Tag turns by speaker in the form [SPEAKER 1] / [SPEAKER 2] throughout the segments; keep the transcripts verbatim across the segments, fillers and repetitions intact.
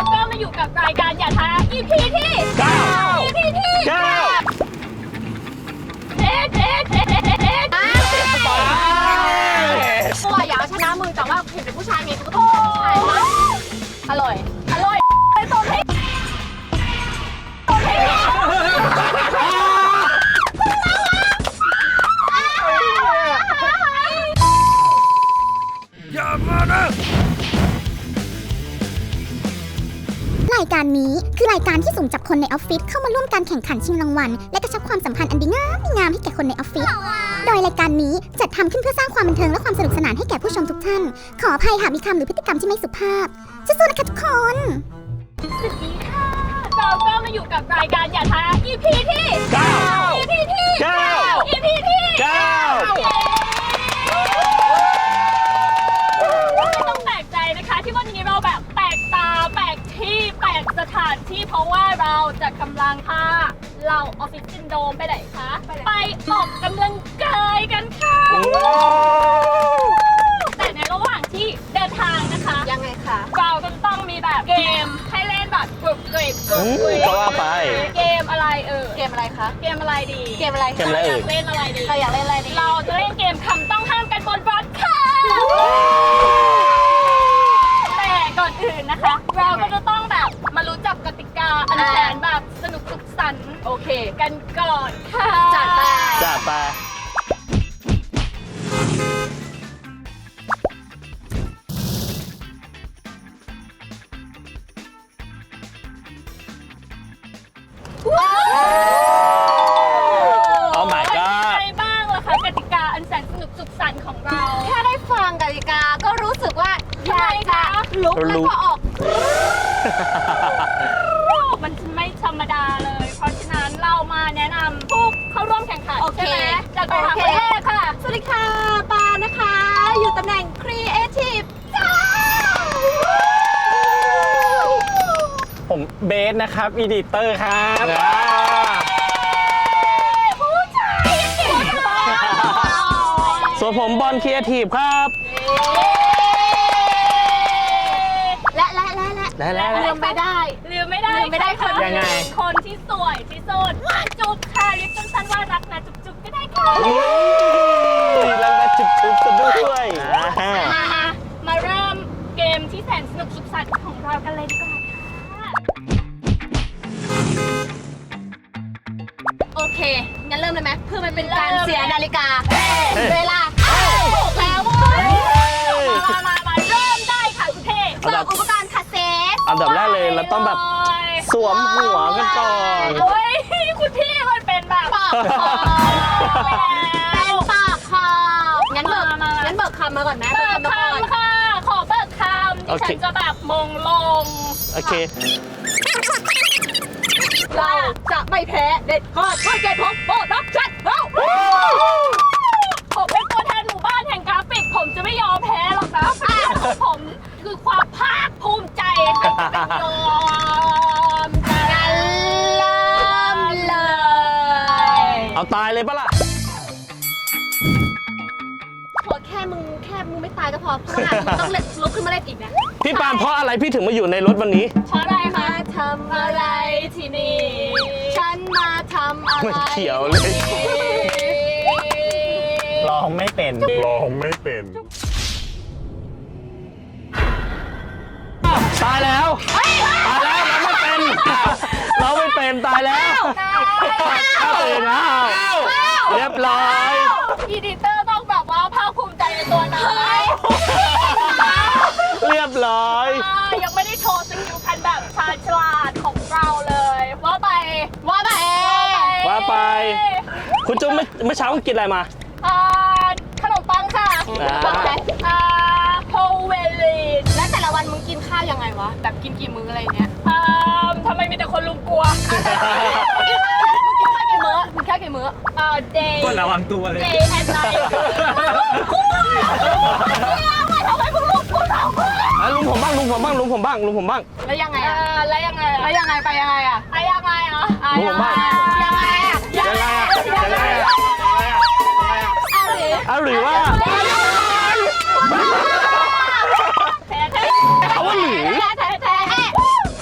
[SPEAKER 1] ก็มาอยู่กับรายการอย่าท้า อี พี ที่เก้า อี พี ที่เก้าเอ๊ะเอ๊ะเอ๊ะเอ๊ะเอ๊ะ
[SPEAKER 2] ตัวอยากเอาชนะมึงแต่ว่าเห็นเป็นผู้ชายไงกูก็ต้องเป็นผู้ชายนะอร่อย
[SPEAKER 1] อร่อยไปต้มให้ต้มให้
[SPEAKER 3] อย่ามานะ
[SPEAKER 4] รายการนี้คือรายการที่สุ่มจับคนในออฟฟิศเข้ามาร่วมการแข่งขันชิงรางวัลและกระชับความสัมพันธ์อันดีงามงามให้แก่คนในออฟฟิศโดยรายการนี้จัดทำขึ้นเพื่อสร้างความบันเทิงและความสนุกสนานให้แก่ผู้ชมทุกท่านขออภัยหากมีคำหรือพฤติกรรมที่ไม่สุภาพสู้ๆนะคะทุกคน
[SPEAKER 1] สวัสดีค่ะเราก็มาอยู่กับรายการอย่าท้า อี พี ที่เก้า อี พี ที่เก้า อี พี ที่เก้าไม่ต้องแปลกใจนะคะที่วันนี้เราแบบแปลกตาแปลกที่แปลกสถานที่เพราะว่าเราจะกำลังพาเราออฟฟิศซินโดรมไปไหนคะไปออกกำลังกายกันค่ะแต่ในระหว่างที่เดินทางนะคะ
[SPEAKER 2] ยังไงคะ
[SPEAKER 1] เราก็ต้องมีแบบเกมให้เล่นแบบกรุบกริบกรุบกริบ
[SPEAKER 3] ก็ว่าไป
[SPEAKER 1] เกมอะไรเออ
[SPEAKER 2] เกมอะไรคะ
[SPEAKER 1] เกมอะไรดี
[SPEAKER 2] เกมอะไร
[SPEAKER 3] เกมอะไร
[SPEAKER 1] อยากเล่นอะไรดี
[SPEAKER 2] เราอยากเล่นอะไรดี
[SPEAKER 1] เราจะเล่นเกมคำต้องห้ามกันบนรถค่ะแต่ก่อนอื่นนะคะเราก็จะต้องแบบมารู้จักกติกาอันแสนแบบสนุกสุขสันต์โอเคกันก่อนค่ะ
[SPEAKER 2] จัดไป
[SPEAKER 3] จัดไปโอ้ my god
[SPEAKER 1] อะไรบ้างล่ะคะกติกาอันแสนสนุกสุขสันต์ของเรา
[SPEAKER 2] แค่ได้ฟังกติกาก็รู้สึกว่าอยากจะลุกแล้วก็ออก
[SPEAKER 1] มันไม่ธรรมดาเลยเพราะฉะนั้นเรามาแนะนำผู้เข้าร่วมแข่งขันใช่ไหมจากไปหาคนแรกค่ะ
[SPEAKER 2] สวัสดีค่ะปานะคะอยู่ตำแหน่ง Creative จ้า
[SPEAKER 3] ผมเบสนะครับอีดิเตอร์ครับ
[SPEAKER 1] ผู้ชายเก่งมาก
[SPEAKER 3] ส่วนผมบอลครีเอทีฟครับ
[SPEAKER 2] และและและและ
[SPEAKER 3] และและ
[SPEAKER 1] ลืมไม่ได้ลืมไม่ได้
[SPEAKER 2] ลืมไม่ได้คน
[SPEAKER 3] ยังไง
[SPEAKER 1] คนที่สวยที่สุดจุ๊บค่ะเรียกสั้นๆว่ารักนะจุ๊บจุ๊บก็ได้ค่ะ
[SPEAKER 3] รักนะจุ๊บจุ๊บกันด้วย
[SPEAKER 1] มาเริ่มเกมที่แสนสนุกสุขสันต์ของเรากันเลยดีกว่า
[SPEAKER 2] โอเคงั้นเริ่มเลยไหมเพื่อมันเป็นการเสียนาฬิกาเวลาถูกแล้ว
[SPEAKER 1] มามามาเริ่มได้ค่ะคุณเทพ
[SPEAKER 2] เสิร์ฟอุปกรณ์คาเซต
[SPEAKER 3] อันดับแรกเลยเราต้องแบบสวมหัวกันก่อน
[SPEAKER 1] โอ้ยคุณพี่มันเป็นแบบ
[SPEAKER 2] ปากคอเป็นปากคองั้นเบิกงั้นเบิกคำมาก่อนนะ
[SPEAKER 1] เบิกคำค่ะขอเบิกคำดิฉันจะแบบมงลง
[SPEAKER 3] โอเค
[SPEAKER 2] เราจะไม่แพ้เด็ดขาดไม่เกตพบโบรับชัดเรา
[SPEAKER 1] ผมเป็นตัวแทนหมู่บ้านแห่งกราฟิกผมจะไม่ยอมแพ้หรอกนะผมคือความภาคภูมิใจให้เป็นยอม
[SPEAKER 2] กันเริ่มเลย
[SPEAKER 3] เอาตายเลยปะล่ะ
[SPEAKER 2] ขอแค่มึงแค่มึงไม่ตายก็พอเพราะว่ามึงต้องลุกขึ้นมาเล่นอีกนะ
[SPEAKER 3] พี่ปานเพราะอะไรพี่ถึงมาอยู่ในรถวันนี้
[SPEAKER 1] เพราะอะไรคะ
[SPEAKER 2] ทำอะไรที่นี่ฉันมาทำอะไร
[SPEAKER 3] มันเขียวเลยร้องไม่เป็นร้องไม่เป็นตายแล้วตายแล้วเราไม่เป็นเราไม่เป็นตายแล้วเข้าตื่นแล้วเรียบร้อย
[SPEAKER 1] อีดิเตอร์ต้องแบบว่าภาคภูมิใจในตัวนะ
[SPEAKER 3] เรียบร้อย
[SPEAKER 1] ยังไม่ได้โชว์สกิลคันแบบชาญฉลาดของเราเลยว่าไป
[SPEAKER 2] ว่าไป
[SPEAKER 3] ว่าไปคุณจุ๊บไม่เมื่อเช้าคุณกินอะไรมา
[SPEAKER 1] ขนมปังค่ะอ่าโฮเวลีน
[SPEAKER 2] แล้วแต่ละวันมึงกินข้าวยังไงวะแบบกินกี่มื้ออะไรเงี้ย
[SPEAKER 1] ทำไมมีแต่คนลุมกลัว
[SPEAKER 2] มึงกินข้าวกี่มื้อมึงแค่กี่มื้อ
[SPEAKER 1] อ่า day
[SPEAKER 3] ก็ระวังตัวเลย
[SPEAKER 1] day and night ทำไมมึงลุมกูเรา
[SPEAKER 3] ลุงผมบ้างลุงผมบ้างลุงผมบ้างลุงผมบ้าง
[SPEAKER 2] แล้วยังไงอ่ะ
[SPEAKER 1] แล้วยังไง
[SPEAKER 2] แล้วยังไงไปยังไงอ่ะ
[SPEAKER 1] ไปยังไงอ่ะ
[SPEAKER 3] ลุงผมบ้าง
[SPEAKER 2] ยังไงอ่ะ
[SPEAKER 3] ยังไงอ่ะยังไงอ่ะเอาหรือว่าเอาว่าหรือ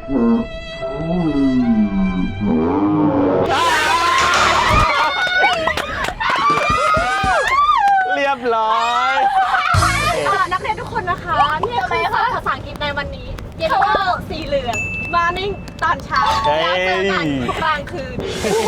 [SPEAKER 3] เรียบร้อย
[SPEAKER 2] อ่านักเรียนทุกคนนะคะเนี่ยคือสอนภาษาอังกฤษในวันนี้ เยลโล่สีเหลือง มานิ่งตอนเช้า
[SPEAKER 3] เฮ้ย
[SPEAKER 2] แล้วเจอกันกลางคืน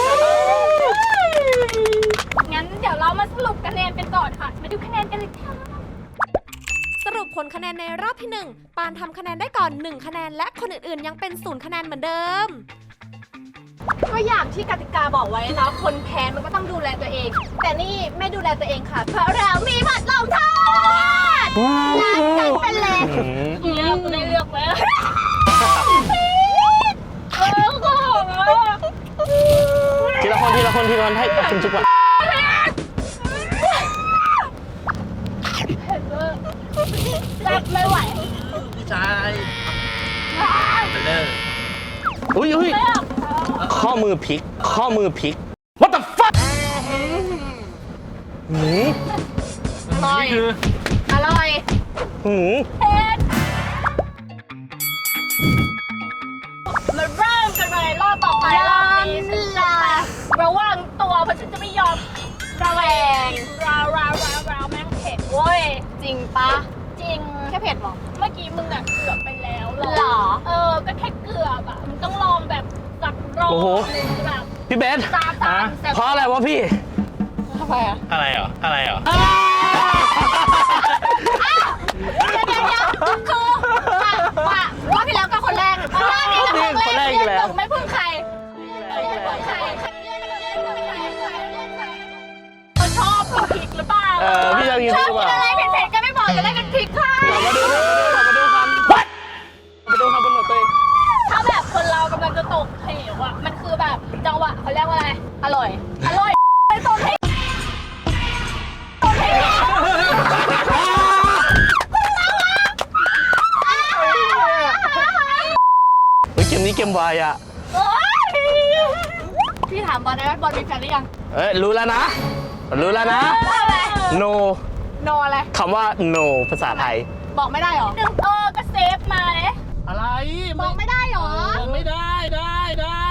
[SPEAKER 1] งั้นเดี๋ยวเรามาสรุปคะแนนกันก่อนค่ะ มาดูคะแนนกันเลยค่ะ
[SPEAKER 5] สรุปผลคะแนนในรอบที่หนึ่งปานทำคะแนนได้ก่อนหนึ่งคะแนนและคนอื่นๆยังเป็นศูนย์คะแนนเหมือนเดิม
[SPEAKER 2] ก็อย่างที่กติกาบอกไว้นะคนแพ้มันก็ต้องดูแลตัวเอง แต่นี่ไม่ดูแลตัวเองค่ะ เพราะเรามีบทลงโทษล้างกันเป็นเล็ก
[SPEAKER 1] เลือกได้เลือกไหมเออก็บอกว่า
[SPEAKER 3] ทีละคนทีละคนทีละคนให้คุณจุ๊บก่อน
[SPEAKER 1] รับไม่ไหว
[SPEAKER 6] พี่ชายไปเลย
[SPEAKER 3] อุ้ยอุ้ย
[SPEAKER 1] ไม่เอา
[SPEAKER 3] ข้อมือพลิก ข้อมือพลิก What the fuck หืม
[SPEAKER 2] อร่อย
[SPEAKER 6] นี่คือ
[SPEAKER 2] อร่อย
[SPEAKER 3] หืม
[SPEAKER 1] เอ็ดมาเริ่มกันเลยรอบต่อไปรอบนี้ฉันจะระวังตัวเพราะฉันจะไม่ยอมระแวงราวราวราวราวแม่งเผ็ดเว้ย
[SPEAKER 2] จริงปะ
[SPEAKER 1] จริง
[SPEAKER 2] แค่เผ็ดเหรอ
[SPEAKER 1] เมื่อกี้มึงอะเกือบไปแล้ว
[SPEAKER 2] หรอ
[SPEAKER 1] เออ ก็แค่เกือบอะมึงต้องลองแบบสักรอบหนึงแบบ
[SPEAKER 3] พี่เบส
[SPEAKER 1] ตามตามแต่
[SPEAKER 3] เพราะอะไรวะพี่
[SPEAKER 2] ทำไมอ่ะ
[SPEAKER 6] อะไรเหรอ อะไรเหรอ
[SPEAKER 2] เดี๋ยวเดี๋ยวเดี๋ยวคือว่ารอบที่แล้วก็คนแรกรอบนี้ก็คนแรก
[SPEAKER 3] คนแรกอีกแล้ว
[SPEAKER 2] ไม่พึ่งใคร
[SPEAKER 1] เขาชอบกินพริกหรือเปล่า
[SPEAKER 3] เออพี่จะกิน
[SPEAKER 2] ช
[SPEAKER 3] ห
[SPEAKER 2] อบ
[SPEAKER 3] รือเป
[SPEAKER 2] กิน
[SPEAKER 3] ล่า
[SPEAKER 2] อะไรเผ็ดๆก็ไม่บอกจะได้กันพริกค่ะ
[SPEAKER 3] มาดูมาดูมาดูกันมาดูครับบนหนวดตัวเอง
[SPEAKER 1] ถ้าแบบคนเรากำลังจะตกเหวอะมันคือแบบจังหวะเขาเรียกว่าอะไร
[SPEAKER 2] อร่อย
[SPEAKER 1] อร่อยไปตกให้ตกให้
[SPEAKER 3] เฮ้ยเกมนี้เกมวายอ่ะ
[SPEAKER 1] โอ๊ย
[SPEAKER 2] พี่ถามบอลได้ไหมบอลมีแฟนหรือยัง
[SPEAKER 3] เอ้ยรู้แล้วนะ รู้แล้วนะ no
[SPEAKER 2] โนอะไร
[SPEAKER 3] คำว่า no ภาษาไทย
[SPEAKER 2] บอกไม่ได้หรอ
[SPEAKER 1] หนึ่งเออก็เซฟมาเลย
[SPEAKER 6] อะไร
[SPEAKER 2] บอกไม่ได้หรอ
[SPEAKER 6] เออไม่ได้ได้ได้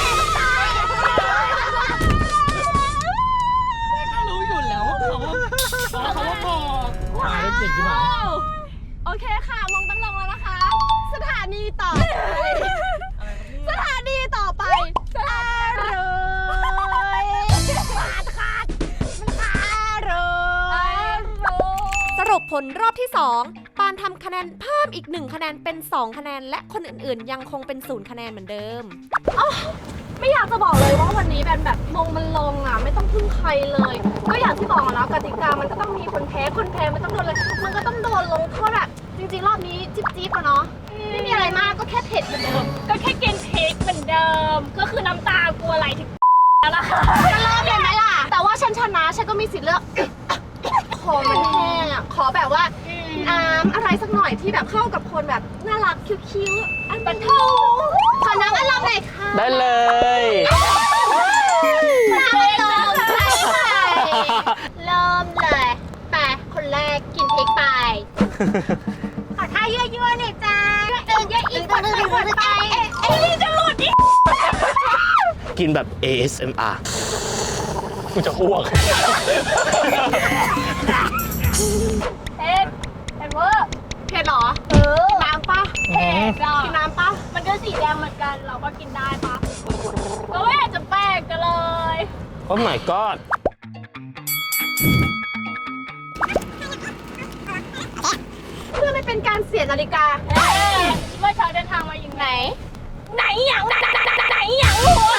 [SPEAKER 6] ก็รู้อยู่แล้วว่าเขาว่าเขาว่าบอกหาได้จริงใช่ไหม
[SPEAKER 2] โอเคค่ะมองตั้งลงแล้วนะคะ สถานีต่อไปสถานีต่อไปสถานีขาดขาดมันขาดเลย
[SPEAKER 5] สรุปผลรอบที่สองปานทำคะแนนเพิ่มอีกหนึ่งคะแนนเป็นสองคะแนนและคนอื่นๆ ยังคงเป็นศูนย์คะแนนเหมือนเดิม
[SPEAKER 2] ไม่อยากจะบอกเลยว่าวันนี้เป็นแบบมงมันลงอ่ะไม่ต้องพึ่งใครเลย ก็อย่างที่บอกแล้วกติกามันก็ต้องมีคนแพ้คนแพ้มันต้องโดนเลยมันก็ต้องโดนลงโทษแบบจริงๆ รอบนี้จิ๊บจิ๊บอะเนาะไม่มีอะไรมากก็แค่เผ็ดเหมือนเดิม
[SPEAKER 1] ก็แค่กินพริกเหมือนเดิม ก็คือน้ำตากลัวอะไรถึงแล้วล่ะค่ะ
[SPEAKER 2] จะเริ่มเลยไหมล่ะ แต่ว่าฉันชนะฉันก็มีสิทธิ์เลือกขอมันแห้งอ่ะขอแบบว่าน้ำอะไรสักหน่อยที่แบบเข้ากับคนแบบน่ารักคิ้วๆอันเป็นโทขอน้ำอันลำหน่อยค่ะ
[SPEAKER 3] ได้เลย
[SPEAKER 2] น้ำอันลำใช่ค่ะเริ่มเลยไปคนแรกกินพริกไปขอท่ายั่วๆหน่อยจ้าเออเยอะอีกคนไปคนไปเอ้ยจะหลุดอีก
[SPEAKER 3] กินแบบ เอ เอส เอ็ม อาร์ กูจะอ้วก
[SPEAKER 1] เอ็ดเอ็ดเวอร์
[SPEAKER 2] เผ็ดเหรอ
[SPEAKER 1] เออ
[SPEAKER 2] น้ำปะ
[SPEAKER 1] เผ็ดอ่ะ
[SPEAKER 2] กินน้ำปะ
[SPEAKER 1] มันก็สีแดงเหมือนกัน เราก็กินได้ปะก็ไม่อยากจะแปลกกันเลย
[SPEAKER 3] โอ้ my god
[SPEAKER 2] เพื่อไม่เป็นการเสียนาฬิกา
[SPEAKER 1] เอ้ยเมื่อเช้าเดินทางมาอย่างไหน ไหนอย่างไหนไหนไหนไหนอย่างหัว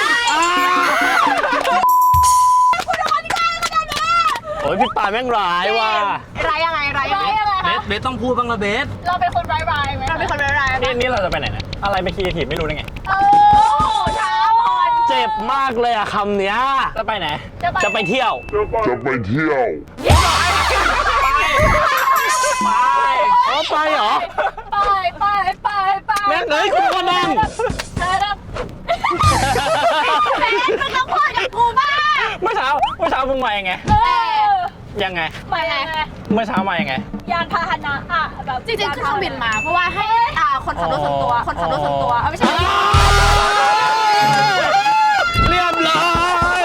[SPEAKER 3] โอ้ยพี่ปาแม่งร้ายว่ะ
[SPEAKER 2] ไรยังไงไรยัง
[SPEAKER 1] ไร
[SPEAKER 2] ไง
[SPEAKER 1] อะไร
[SPEAKER 6] เบ
[SPEAKER 1] คะ
[SPEAKER 6] สเบสต้องพูดบ้างละเบส
[SPEAKER 1] เราเป็นคนร้ายๆไหม
[SPEAKER 2] เราเป็นคนร้ายๆ
[SPEAKER 6] นี่
[SPEAKER 2] นะ
[SPEAKER 6] นี่เราจะไปไหนเนี่ยอะไรไปคีทีไม่รู้ได้ไง
[SPEAKER 1] เออเช้าพอน
[SPEAKER 3] เจ็บมากเลยอะคำเนี้ย
[SPEAKER 6] จะไปไหน
[SPEAKER 3] จะไปเที่ยว
[SPEAKER 7] จะไปเที่ยว
[SPEAKER 6] ไป
[SPEAKER 3] อ๋อไปเหรอ
[SPEAKER 1] ไปไปไปไป
[SPEAKER 3] แม่งเอ้ยกูก็นั่ง
[SPEAKER 1] เธอรับ
[SPEAKER 2] มึงต้องพูดกับกูบ้าง
[SPEAKER 6] เมื่อเช้าเมื่อเช้ามึงมายังไง
[SPEAKER 1] เออ
[SPEAKER 6] ยังไง
[SPEAKER 1] มายังไง
[SPEAKER 6] เมื่อเช้ามายังไง
[SPEAKER 1] ยานพาหนะอะแบบ
[SPEAKER 2] จริงๆขึ้นเครื่องบินมา เพราะว่าให้อ่าคนขับรถส่วนตัว คนขับรถส่วนตัวเอาไม่ใช่
[SPEAKER 3] เรียบร้อย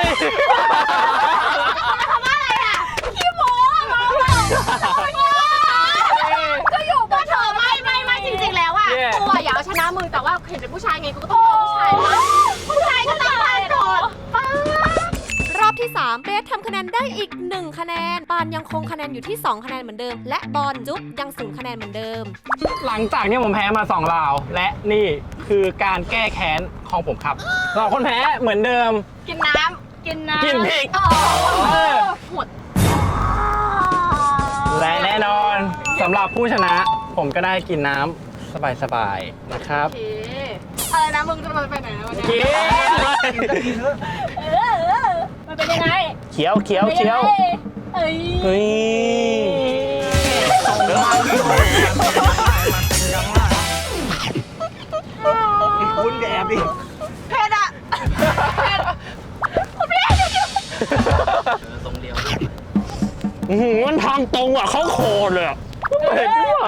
[SPEAKER 2] คำว่าอะไรอ่ะขี้โม้มาก็อยู่บนเธอไม่ไม่ไม่จริงๆแล้วอ่ะตัวอยากเอาชนะมึงแต่ว่าเห็นเป็นผู้ชายไงกูก็ต้องยอมผู้ชายนะผู้ชายก็ต้องมาโดดป้าร
[SPEAKER 5] อบที่สามเบสทำคะแนนได้อีกหนึ่งคะแนนปานยังคงคะแนนอยู่ที่สองคะแนนเหมือนเดิมและบอลจุ๊บยังศูนย์คะแนนเหมือนเดิม
[SPEAKER 6] หลังจากที่ผมแพ้มาสองราว และนี่คือการแก้แค้นของผมครับสองคนแพ้เหมือนเดิม
[SPEAKER 2] กินน้ำ
[SPEAKER 1] กินน้ำ
[SPEAKER 6] กินพริก
[SPEAKER 2] เอ
[SPEAKER 6] เอ
[SPEAKER 2] อ
[SPEAKER 6] อ
[SPEAKER 2] หมด
[SPEAKER 6] และแน่นอนสำหรับผู้ชนะผมก็ได้กินน้ำสบายๆนะครับ
[SPEAKER 2] โอเคอะไรนะมึงจะมาไปไหนนะวันนี้
[SPEAKER 6] กิน
[SPEAKER 1] เออเออมันเป็นยังไง
[SPEAKER 3] เขียวเขียวเขียว
[SPEAKER 1] เอ้ย
[SPEAKER 3] เฮ้ย
[SPEAKER 6] คุณแอบดิ
[SPEAKER 2] เผ็ดอ่ะ
[SPEAKER 3] อื้อหือมันทางตรงอ่ะเขาโคตรเลยอ่ะเห็นไม่ไหว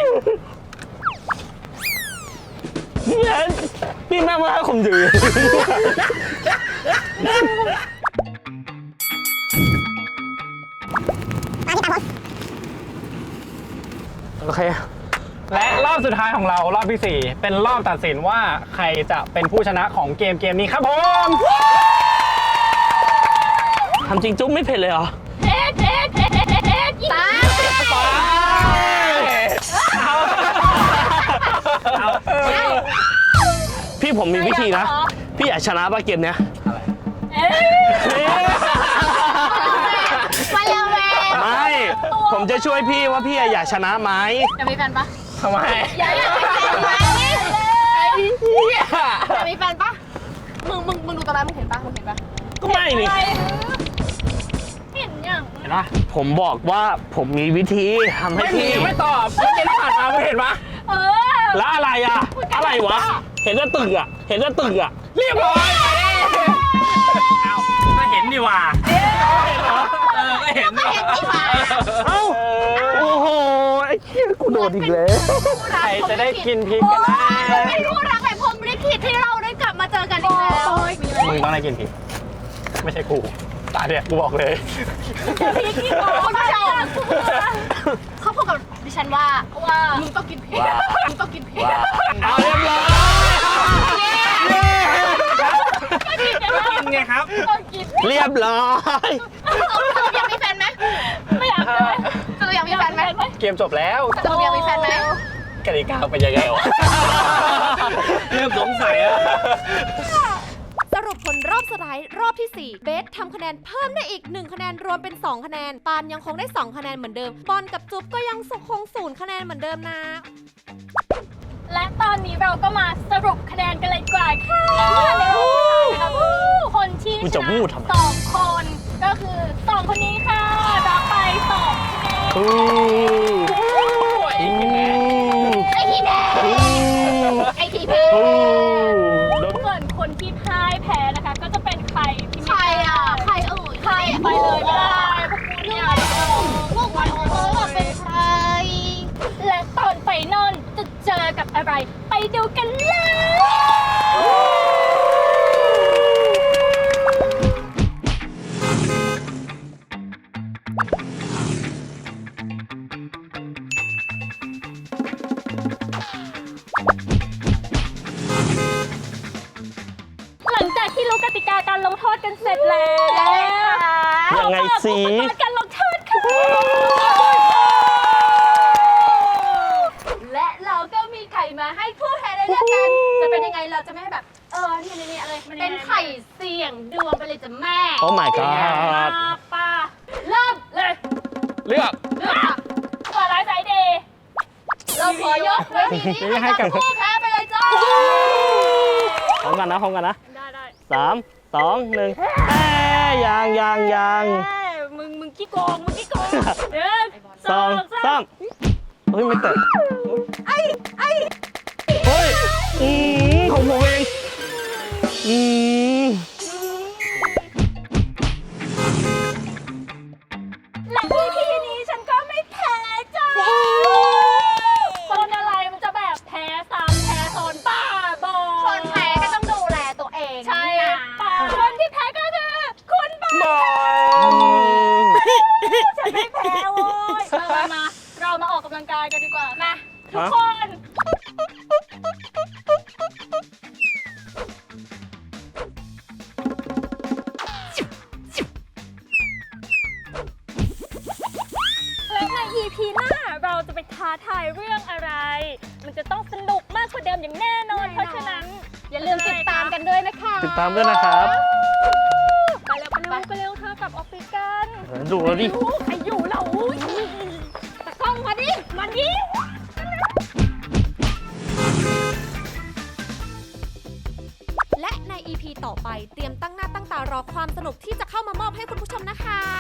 [SPEAKER 3] เนี่ยพี่แม่มาให้ผมถือโอเค
[SPEAKER 6] และรอบสุดท้ายของเรารอบที่สี่เป็นรอบตัดสินว่าใครจะเป็นผู้ชนะของเกมเกมนี้ครับผม
[SPEAKER 3] ทำจริงจุ๊บไม่เผ็ดเลยเหรอ
[SPEAKER 1] เอ๊ะเอ๊ะเอ๊ะเอ๊ะเอ๊ะยิง
[SPEAKER 2] ตา
[SPEAKER 3] พี่ผมมีวิธีนะ พี่อยากชนะป่ะเกมเนี้ย
[SPEAKER 1] เอ๊ะ
[SPEAKER 2] มาแล้วแม่
[SPEAKER 3] ไม่ ผมจะช่วยพี่ว่าพี่อยากชนะไหม
[SPEAKER 2] จะมีแฟนปะ
[SPEAKER 6] ทำไม
[SPEAKER 2] อยากมีแฟนไหมอยากมีแฟนปะมึงมึงมึงดูตอนนั้นมึงเห็นปะมึงเห็นปะ
[SPEAKER 3] ก็ไม่นี่
[SPEAKER 1] อะไรเห็นยัง
[SPEAKER 6] เห็นปะ
[SPEAKER 3] ผมบอกว่าผมมีวิธีทำให้
[SPEAKER 6] ไม่มี
[SPEAKER 3] พี่
[SPEAKER 6] ไม่ตอบไม่เกมที่ผ่านมาไม่เห็นปะ
[SPEAKER 1] เออ
[SPEAKER 3] แล้วอะไรอ่ะ อะไรวะ เห็นแต่ตึกอ่ะ เห็นแต่ตึกอ่ะ
[SPEAKER 6] เรียบร้อยเอาก็เห็นดีว่าเออก็เห็นดีว่า
[SPEAKER 3] เอ้า โอ้โห ไอ้เหี้ยกูโดนอีกแล้ว
[SPEAKER 6] ใครจะได้กินพริกกันนะ
[SPEAKER 2] เป็นคู่รักแบบพรหมลิขิตที่เราได้กลับมาเจอกันอีกแล้ว
[SPEAKER 6] มึงต้องได้กินพริกไม่ใช่กูตาเนี่ยกูบอกเลย
[SPEAKER 1] พี่ขี้โกง
[SPEAKER 2] คุณผู้ชมเขาพูดกับดิฉันว่า
[SPEAKER 1] ว่า
[SPEAKER 2] มึงต้องกินเผ็ดมึงต้องกินเผ็ด
[SPEAKER 3] เอาเรียบร้อย
[SPEAKER 6] กินไงครับ
[SPEAKER 1] ต้องกิน
[SPEAKER 3] เรียบร้อย
[SPEAKER 2] สรุปอยากมีแฟนไหม
[SPEAKER 1] ไม่อยากเลย
[SPEAKER 2] สรุปอยากมีแฟนไหม
[SPEAKER 6] เกมจบแล้ว
[SPEAKER 2] สรุปอยากมีแฟนไหม
[SPEAKER 6] กติกาเป็นยังไงวะเริ่มสงสัยอะ
[SPEAKER 5] สรุปผลรอบสุดท้ายรอบที่สี่เบสทำคะแนนเพิ่มได้อีกหนึ่งคะแนนรวมเป็นสองคะแนนปานยังคงได้สองคะแนนเหมือนเดิมบอลกับจุ๊บก็ยังคงศูนย์คะแนนเหมือนเดิมนะ
[SPEAKER 1] และตอนนี้เราก็มาสรุปคะแนนกันเลยดีกว่าค่ะในคนที่ช
[SPEAKER 3] กูจะพู
[SPEAKER 1] นะ
[SPEAKER 3] ดทำไม
[SPEAKER 1] สองคนก็คือสองคนนี้ค่ะรับไปสองคะแนน
[SPEAKER 3] อืม
[SPEAKER 6] อีกกี่แม่
[SPEAKER 2] ไอทีแพ้
[SPEAKER 3] อืม
[SPEAKER 2] ไอทีแพ้
[SPEAKER 3] อืมโดน
[SPEAKER 1] ส่วนคนที่พ่ายแพ้นะคะ ก็จะเป็นใครที่
[SPEAKER 2] ใคร
[SPEAKER 1] ไม่
[SPEAKER 2] อ่ะใครเอ่ย
[SPEAKER 1] ใครไปเลยไม่ได้พวกคุณเนี่ย
[SPEAKER 2] พวกมันเออเป็นใคร
[SPEAKER 1] และตอนไฟนอลจะเจอกับอะไร ไปดูกันเลยหลังจากที่รู้กติกาการลงโทษกันเสร็จแล้ว
[SPEAKER 3] ยังไงสิ
[SPEAKER 1] อุปกรณ์การลงโทษค่ะ
[SPEAKER 2] และเราก็มีไข่มาให้ผู้แพ้ได้เลือกกัน จะเป็นยังไงเราจะไม่ให้แบบ เออนี่นี่นี่อะไร เป็นไข่เสี่ยงดวงไปเลยจ้ะแม่
[SPEAKER 3] โอ้ my god
[SPEAKER 1] ป้า
[SPEAKER 2] เริ่ม
[SPEAKER 1] เลย
[SPEAKER 6] เลือก
[SPEAKER 2] เลือก
[SPEAKER 1] ขอร้ายสายเดย์
[SPEAKER 2] เราขอยกเวทีนี้ให้กับผู้แพ้ไปเลยจ้า
[SPEAKER 3] พร้อมกันนะพร้อมกันนะ
[SPEAKER 1] ได้ได้
[SPEAKER 3] สามสองหนึ่งแอ้ยังยังยัง
[SPEAKER 1] เอ้ยมึงมึงขี้โกงมึงขี้โกงหนึ่ง
[SPEAKER 3] สองสามเฮ้ยไม่เตะไอ้ไอ้เฮ้ยอืมของผมเองอืม
[SPEAKER 1] และที่ที่นี้ฉันก็ไม่แพ้จ้าทายเรื่องอะไร มันจะต้องสนุกมากกว่าเดิมอย่างแน่นอน เพราะฉะนั้น
[SPEAKER 2] อย่าลืมติดตามกันด้วยนะคะ
[SPEAKER 3] ติดตามด้วยนะครับ
[SPEAKER 1] ไปเร็วไปเร็วไปเร็วเธอกลับออฟฟิศกัน
[SPEAKER 3] ดูแล้วดิ
[SPEAKER 1] อู้ใครอยู่เราตะกล้องมาดิ มาดิ
[SPEAKER 5] และใน อี พี ต่อไปเตรียมตั้งหน้าตั้งตารอความสนุกที่จะเข้ามามอบให้คุณผู้ชมนะคะ